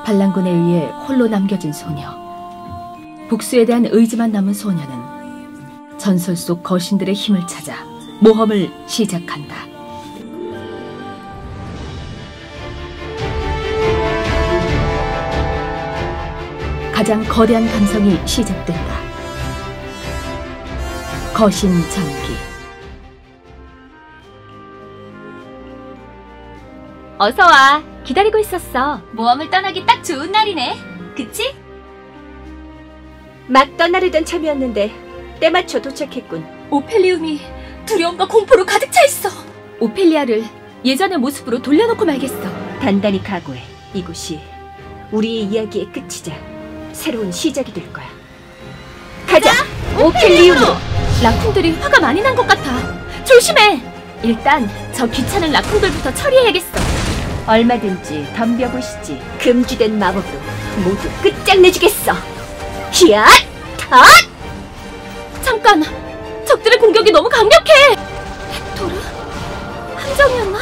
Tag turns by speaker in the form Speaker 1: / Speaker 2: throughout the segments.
Speaker 1: 반란군에 의해 홀로 남겨진 소녀. 복수에 대한 의지만 남은 소녀는 전설 속 거신들의 힘을 찾아 모험을 시작한다. 가장 거대한 감성이 시작된다. 거신 전기.
Speaker 2: 어서 와. 기다리고 있었어. 모험을 떠나기 딱 좋은 날이네. 그치?
Speaker 3: 막 떠나려던 참이었는데 때맞춰 도착했군.
Speaker 2: 오펠리움이 두려움과 공포로 가득 차 있어. 오펠리아를 예전의 모습으로 돌려놓고 말겠어.
Speaker 3: 단단히 각오해. 이곳이 우리의 이야기의 끝이자 새로운 시작이 될 거야. 가자! 오펠리움으로!
Speaker 2: 라쿤들이 화가 많이 난 것 같아. 조심해! 일단 저 귀찮은 라쿤들부터 처리해야겠어.
Speaker 3: 얼마든지 덤벼보시지. 금지된 마법으로 모두 끝장내주겠어. 히앗! 탓!
Speaker 2: 잠깐! 적들의 공격이 너무 강력해! 헥토르? 함정이었나?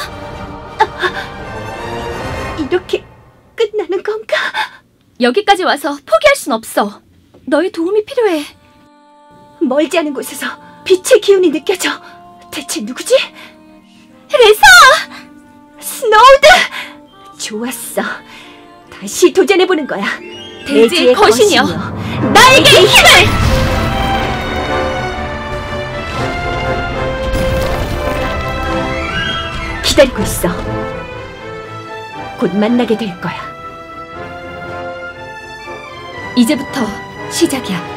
Speaker 3: 이렇게 끝나는 건가?
Speaker 2: 여기까지 와서 포기할 순 없어. 너의 도움이 필요해.
Speaker 3: 멀지 않은 곳에서 빛의 기운이 느껴져. 대체 누구지?
Speaker 2: 레사!
Speaker 3: 스노우드! 좋았어. 다시 도전해보는 거야.
Speaker 2: 대지의 거신이여,
Speaker 3: 나에게 힘을! 기다리고 있어. 곧 만나게 될 거야.
Speaker 2: 이제부터 시작이야.